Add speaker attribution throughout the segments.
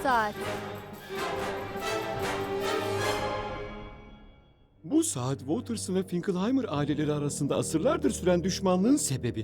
Speaker 1: saat.
Speaker 2: Bu saat Watterson ve Finkelheimer aileleri arasında asırlardır süren düşmanlığın sebebi.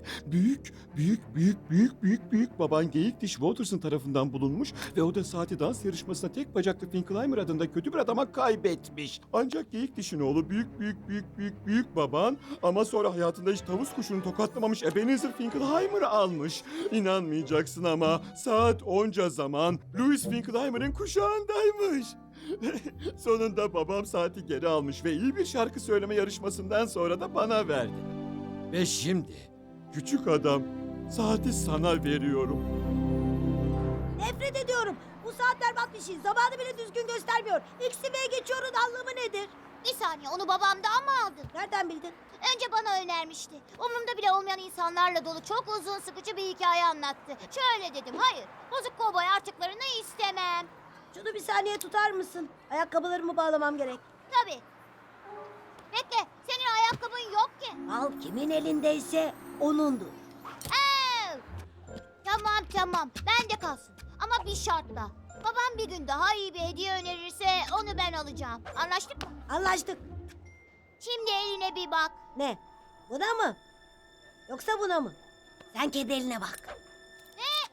Speaker 2: Büyük baban Geyikdiş Watterson tarafından bulunmuş ve o da saati dans yarışmasında tek bacaklı Finkelheimer adında kötü bir adama kaybetmiş. Ancak Geyikdiş'in oğlu büyük baban ama sonra hayatında hiç tavus kuşunu tokatlamamış Ebenezer Finkelheimer'ı almış. İnanmayacaksın ama saat onca zaman Louis Finkelheimer'ın kuşağındaymış. Sonunda babam saati geri almış ve iyi bir şarkı söyleme yarışmasından sonra da bana verdi. Ve şimdi küçük adam saati sana veriyorum.
Speaker 3: Nefret ediyorum. Bu saat berbat bir şey. Zamanı bile düzgün göstermiyor. XV'ye geçiyorun anlamı nedir?
Speaker 4: Bir saniye, onu babamdan mı aldın?
Speaker 3: Nereden bildin?
Speaker 4: Önce bana önermişti. Umurumda bile olmayan insanlarla dolu çok uzun sıkıcı bir hikaye anlattı. Şöyle dedim, hayır, bozuk kovboy artıklarını istemem.
Speaker 3: Şunu bir saniye tutar mısın? Ayakkabılarımı bağlamam gerek.
Speaker 4: Tabii. Bekle, senin ayakkabın yok ki.
Speaker 3: Al kimin elindeyse onundur.
Speaker 4: Ev! Tamam, bende kalsın. Ama bir şartla. Babam bir gün daha iyi bir hediye önerirse onu ben alacağım. Anlaştık mı?
Speaker 3: Anlaştık.
Speaker 4: Şimdi eline bir bak.
Speaker 3: Ne? Buna mı? Yoksa buna mı? Sen kedi eline bak.
Speaker 4: Ne?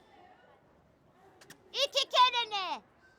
Speaker 4: 2 kere ne?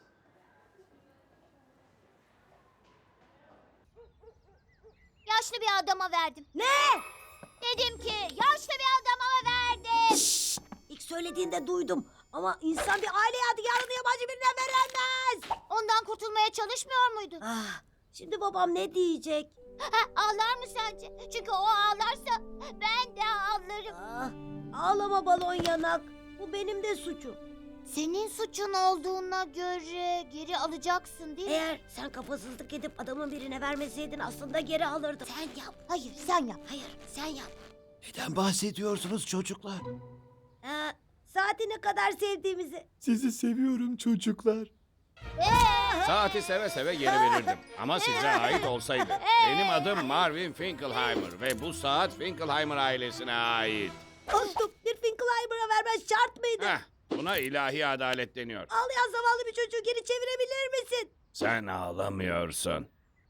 Speaker 4: Yaşlı bir adama verdim.
Speaker 3: Ne?
Speaker 4: Dedim ki yaşlı bir adama verdim.
Speaker 3: İlk söylediğinde duydum. Ama insan bir aile yadigarını yabancı birine veremez.
Speaker 4: Ondan kurtulmaya çalışmıyor muydun?
Speaker 3: Ah, şimdi babam ne diyecek?
Speaker 4: Ağlar mı sence? Çünkü o ağlarsa ben de ağlarım.
Speaker 3: Ah, ağlama balon yanak. Bu benim de suçum.
Speaker 4: Senin suçun olduğuna göre geri alacaksın değil mi?
Speaker 3: Eğer sen kafasızlık edip adamın birine vermeseydin aslında geri alırdım. Sen yap.
Speaker 4: Hayır, sen yap.
Speaker 3: Hayır, sen yap.
Speaker 2: Neden bahsediyorsunuz çocuklar?
Speaker 3: Saati ne kadar sevdiğimizi.
Speaker 2: Sizi seviyorum çocuklar.
Speaker 5: Saati seve seve geri verirdim. Ama size ait olsaydı. Benim adım Marvin Finkelheimer ve bu saat Finkelheimer ailesine ait.
Speaker 3: Dostum, bir Finkelheimer'a vermen şart mıydı?
Speaker 5: Buna ilahi adalet deniyor.
Speaker 3: Ağlayan zavallı bir çocuğu geri çevirebilir misin?
Speaker 5: Sen ağlamıyorsun.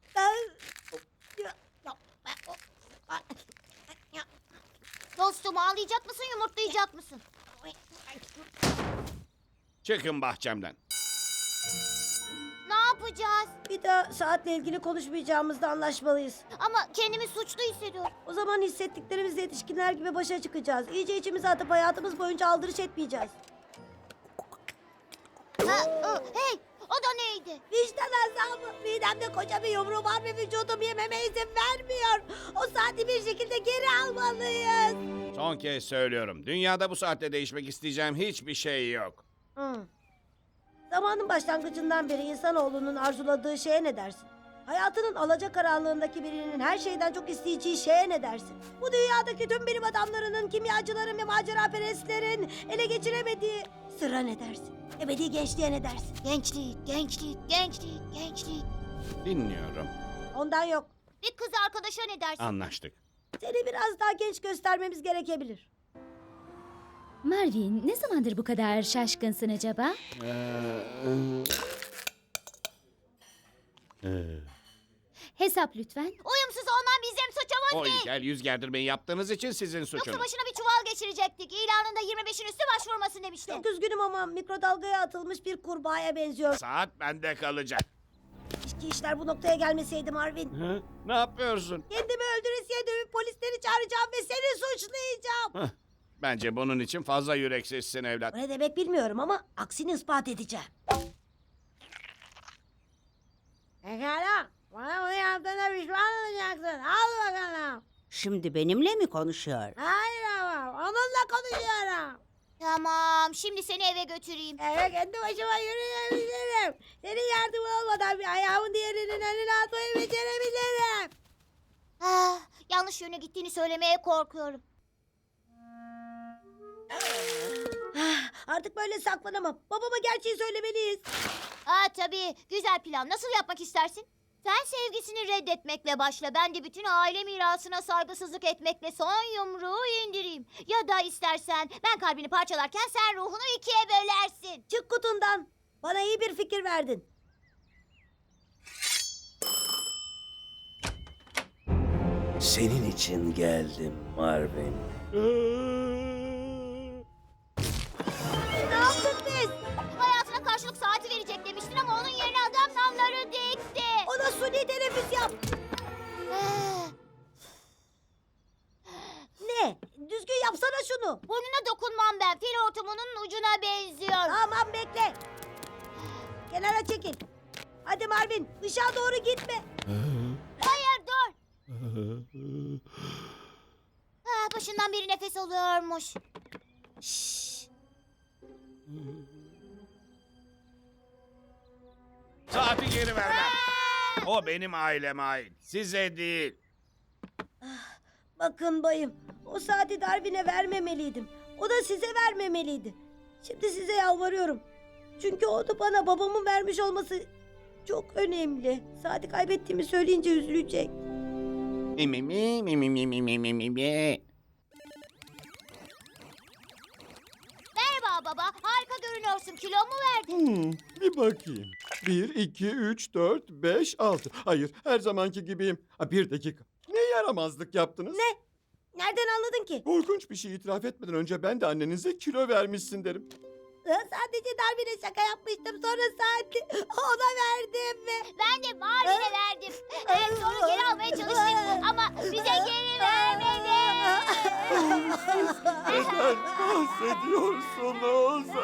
Speaker 4: Dostum, ağlayacak mısın, yumurtlayacak mısın?
Speaker 5: Çıkın bahçemden.
Speaker 4: Ne yapacağız?
Speaker 3: Bir daha saatle ilgili konuşmayacağımızda anlaşmalıyız.
Speaker 4: Ama kendimi suçlu hissediyorum.
Speaker 3: O zaman hissettiklerimizle yetişkinler gibi başa çıkacağız. İyice içimize atıp hayatımız boyunca aldırış etmeyeceğiz.
Speaker 4: Hey, o da neydi?
Speaker 3: Vicdan azabı. Midemde koca bir yumru var ve vücudum yememe izin vermiyor. O saati bir şekilde geri almalıyız.
Speaker 5: Son kez söylüyorum. Dünyada bu saatte değişmek isteyeceğim hiçbir şey yok.
Speaker 3: Zamanın başlangıcından beri insanoğlunun arzuladığı şeye ne dersin? Hayatının alacakaranlığındaki birinin her şeyden çok isteyeceği şeye ne dersin? Bu dünyadaki tüm bilim adamlarının, kimyacıların ve maceraperestlerin ele geçiremediği sıra ne dersin? Ebedi gençliğe ne dersin?
Speaker 4: Gençlik.
Speaker 5: Dinliyorum.
Speaker 3: Ondan yok.
Speaker 4: Bir kız arkadaşa ne dersin?
Speaker 5: Anlaştık.
Speaker 3: Seni biraz daha genç göstermemiz gerekebilir.
Speaker 1: Marvin, ne zamandır bu kadar şaşkınsın acaba? Hesap lütfen.
Speaker 4: Uyumsuz olman bizim suçumuz
Speaker 5: O
Speaker 4: değil.
Speaker 5: ilkel yüz gerdirmeyi yaptığınız için sizin
Speaker 4: Yoksa
Speaker 5: suçunuz.
Speaker 4: başına bir çuval geçirecektik. İlanında 25'in üstü başvurmasın demişti.
Speaker 3: Çok üzgünüm ama mikrodalgaya atılmış bir kurbağaya benziyor.
Speaker 5: Saat bende kalacak.
Speaker 3: Keşke işler bu noktaya gelmeseydi Marvin.
Speaker 5: Ne yapıyorsun?
Speaker 3: Kendimi öldüresiye dövüp polisleri çağıracağım ve seni suçlayacağım.
Speaker 5: Bence bunun için fazla yüreksizsin evlat.
Speaker 3: Bu ne demek bilmiyorum ama aksini ispat edeceğim. Pekala. Bana bunu yaptığına pişman olacaksın. Al bakalım.
Speaker 6: Şimdi benimle mi konuşuyor?
Speaker 3: Hayır ama onunla konuşuyorum.
Speaker 4: Tamam, şimdi seni eve götüreyim.
Speaker 3: Eve kendi başıma yürüyebilirim. Senin yardımın olmadan bir ayağımın diğerinin önüne atmayı becerebilirim.
Speaker 4: Yanlış yöne gittiğini söylemeye korkuyorum.
Speaker 3: Artık böyle saklanamam. Babama gerçeği söylemeliyiz.
Speaker 4: Tabii, güzel plan. Nasıl yapmak istersin? Sen sevgisini reddetmekle başla. Ben de bütün aile mirasına saygısızlık etmekle son yumruğu indireyim. Ya da istersen ben kalbini parçalarken sen ruhunu ikiye bölersin.
Speaker 3: Çık kutundan. Bana iyi bir fikir verdin.
Speaker 7: Senin için geldim Marvin.
Speaker 3: Ne yaptık biz?
Speaker 4: Hayatına karşılık saati verecek demiştin ama onun yerine adam namları dikti.
Speaker 3: Ona suni teneffüs yap. Ne? Düzgün yapsana şunu.
Speaker 4: Burnuna dokunmam ben. Fil hortumunun ucuna benziyor.
Speaker 3: Tamam bekle. Kenara çekil. Hadi Marvin ışığa doğru gitme.
Speaker 4: Hayır dur. Başından beri nefes alıyormuş. Şşş.
Speaker 5: Saati geri vermem. O benim aileme ait. Size değil.
Speaker 3: Bakın bayım o saati Darwin'e vermemeliydim. O da size vermemeliydi. Şimdi size yalvarıyorum. Çünkü o da bana babamın vermiş olması çok önemli. Saati kaybettiğimi söyleyince üzülecek.
Speaker 5: Mi mi mi mi mi mi mi mi mi mi mi.
Speaker 4: Merhaba baba. Harika görünüyorsun. Kilo mu verdin?
Speaker 2: Bir bakayım. 1, 2, 3, 4, 5, 6. Hayır, her zamanki gibiyim. Bir dakika. Ne yaramazlık yaptınız?
Speaker 3: Ne? Nereden anladın ki?
Speaker 2: Korkunç bir şey itiraf etmeden önce ben de annenize kilo vermişsin derim.
Speaker 3: Sadece Darwin'e şaka yapmıştım. Sonra saati ona verdim ve...
Speaker 4: Ben de Marvin'e verdim. Evet sonra geri almaya çalıştık ama bize geri vermedi.
Speaker 2: Neden bahsediyorsunuz?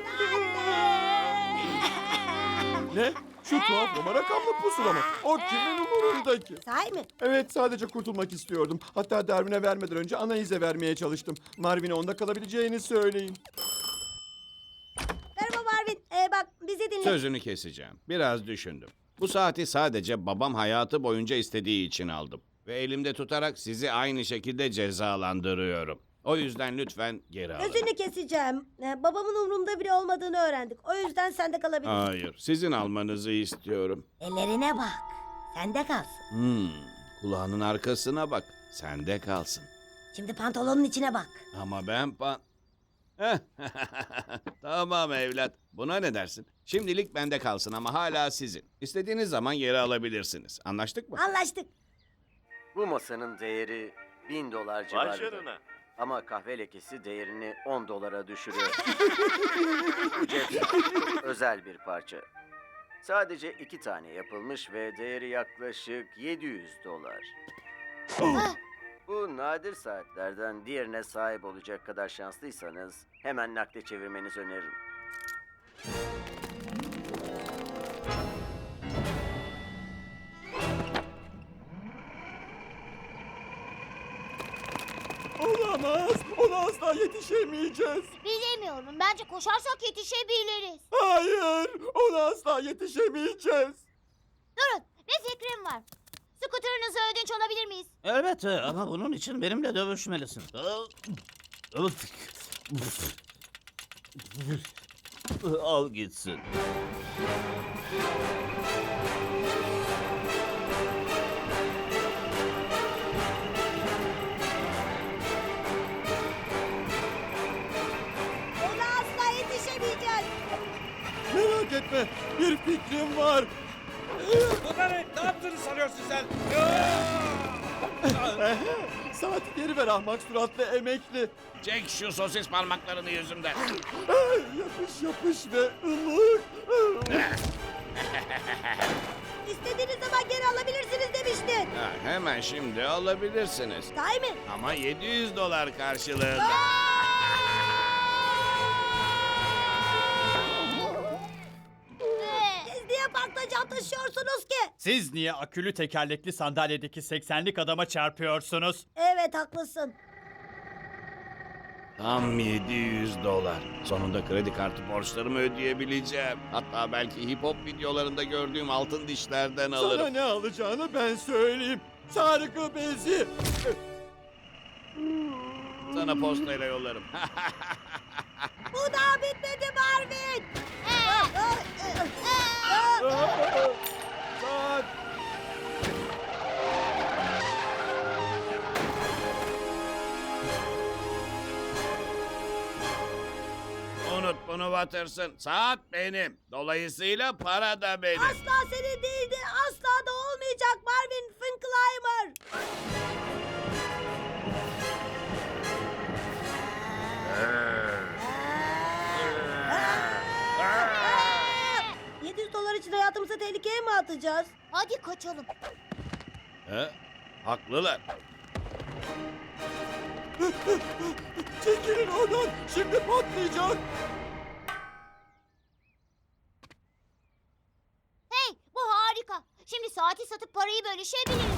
Speaker 2: Ne? Şu tuhaf numara rakamlı pusula mı? O kimin umurundaki?
Speaker 3: Sahi mi?
Speaker 2: Evet, sadece kurtulmak istiyordum. Hatta Darwin'e vermeden önce Anaïs'e vermeye çalıştım. Marvin'e onda kalabileceğini söyleyin.
Speaker 3: Merhaba Marvin. Bak bizi dinle.
Speaker 5: Sözünü keseceğim. Biraz düşündüm. Bu saati sadece babam hayatı boyunca istediği için aldım. Ve elimde tutarak sizi aynı şekilde cezalandırıyorum. O yüzden lütfen geri alın.
Speaker 3: Gözünü keseceğim. Babamın umurumda bile olmadığını öğrendik. O yüzden sende kalabilir.
Speaker 5: Hayır, sizin almanızı istiyorum.
Speaker 3: Ellerine bak. Sende kalsın.
Speaker 5: Kulağının arkasına bak. Sende kalsın.
Speaker 3: Şimdi pantolonun içine bak.
Speaker 5: Ama ben Tamam evlat. Buna ne dersin? Şimdilik bende kalsın ama hala sizin. İstediğiniz zaman geri alabilirsiniz. Anlaştık mı?
Speaker 3: Anlaştık.
Speaker 7: Bu masanın değeri $1000 civarında. Ama kahve lekesi değerini $10 düşürüyor. Bu cep özel bir parça. Sadece 2 tane yapılmış ve değeri yaklaşık $700. Bu nadir saatlerden diğerine sahip olacak kadar şanslıysanız hemen nakde çevirmenizi öneririm.
Speaker 2: Olamaz. Ona asla yetişemeyeceğiz.
Speaker 4: Bilemiyorum. Bence koşarsak yetişebiliriz.
Speaker 2: Hayır. Ona asla yetişemeyeceğiz.
Speaker 4: Durun. Bir fikrim var. Skuterınızı ödünç alabilir miyiz?
Speaker 8: Elbette ama bunun için benimle dövüşmelisin. Al gitsin.
Speaker 3: Ona asla yetişemeyeceğiz.
Speaker 2: Merak etme. Bir fikrim var.
Speaker 9: Ne yaptığını sanıyorsun sen?
Speaker 2: Saati geri ver ahmak suratlı emekli.
Speaker 5: Çek şu sosis parmaklarını yüzümden.
Speaker 2: Yapış yapış ve ılık.
Speaker 3: İstediğiniz zaman geri alabilirsiniz demiştin.
Speaker 5: Hemen şimdi alabilirsiniz.
Speaker 3: Sahi mi?
Speaker 5: Ama $700 karşılığında.
Speaker 3: Siz niye parkta can taşıyorsunuz ki?
Speaker 9: Siz niye akülü tekerlekli sandalyedeki 80'lik adama çarpıyorsunuz?
Speaker 3: Evet haklısın.
Speaker 5: Tam $700. Sonunda kredi kartı borçlarımı ödeyebileceğim. Hatta belki hip hop videolarında gördüğüm altın dişlerden
Speaker 2: Sana
Speaker 5: alırım.
Speaker 2: ne alacağını ben söyleyeyim. Sargı bezi.
Speaker 5: Sana postayla yollarım.
Speaker 3: Bu daha bitmedi Marvin.
Speaker 2: Saat.
Speaker 5: Unut bunu. bunu Watterson. Saat benim. Dolayısıyla para da benim.
Speaker 3: Asla senin değildi. Asla da olmayacak Marvin Finkelheimer. 700 dolar için hayatımızı tehlikeye mi atacağız?
Speaker 4: Hadi kaçalım.
Speaker 5: He? Haklılar.
Speaker 2: Çekilin oradan. Şimdi patlayacak.
Speaker 4: Hey, bu harika. Şimdi saati satıp parayı bölüşebiliriz.